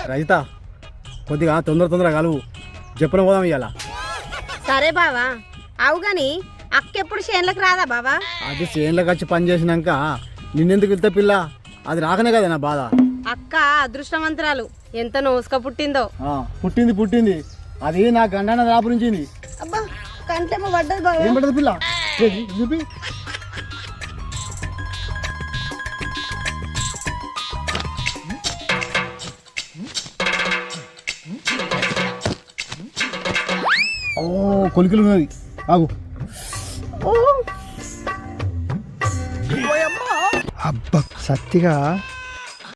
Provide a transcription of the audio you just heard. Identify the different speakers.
Speaker 1: రజిత కొద్దిగా తొందరగా కలువు చెప్పిన పోదాం ఇవాళ.
Speaker 2: సరే బావా. అవు గాని అక్కెప్పుడు చేనులకు రాదా బావా?
Speaker 1: అది చేనులకు వచ్చి పని చేసినాక నిన్నెందుకు వెళ్తే పిల్ల, అది రాకనే కదా నా బాధ.
Speaker 2: అక్క అదృష్టవంతురాలు, ఎంత నోసుక పుట్టిందో.
Speaker 1: పుట్టింది అది నా గండాన దాపురించింది.
Speaker 2: అబ్బా కంటేమో పడ్డది బావా.
Speaker 1: ఏం పడ్డది పిల్ల? చూపి. ఓ కొలికలు ఉన్నది, ఆగు. అబ్బా సత్తిగా